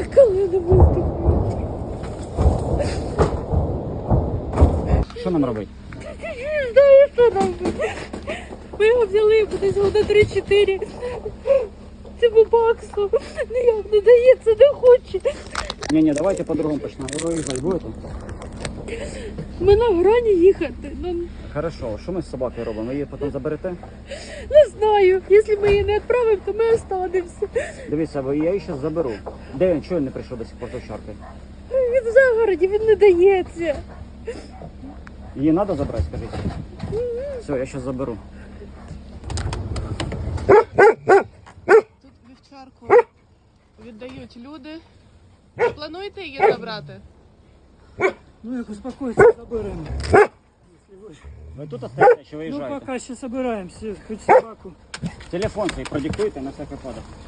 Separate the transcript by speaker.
Speaker 1: Коли не виступить?
Speaker 2: Що нам робити?
Speaker 1: Не знаю, що робити. Ми його взяли десь года 3-4. Цьому баксу ніяк не дається, не хоче.
Speaker 2: Ні, давайте по-другому почнемо. Ви виїжджати будете?
Speaker 1: Ми на грані їхати.
Speaker 2: Хорошо, що ми з собакою робимо? Ви її потім заберете?
Speaker 1: Не знаю. Якщо ми її не відправимо, то ми останемося.
Speaker 2: Дивіться, я її зараз заберу. Де він? Чого він не прийшов до сих пор до чарки?
Speaker 1: Він в загороді, він не дається.
Speaker 2: Її треба забрати, скажіть? Все, я зараз заберу.
Speaker 3: Тут вівчарку віддають люди. Плануєте її забрати?
Speaker 4: Ну як успокоиться, забираем.
Speaker 2: Ви тут остаєтеся чи
Speaker 4: Ну
Speaker 2: виїжджаєте?
Speaker 4: пока ще собираемся, хоть собаку.
Speaker 2: Телефон свій продиктуйте на всякий випадок.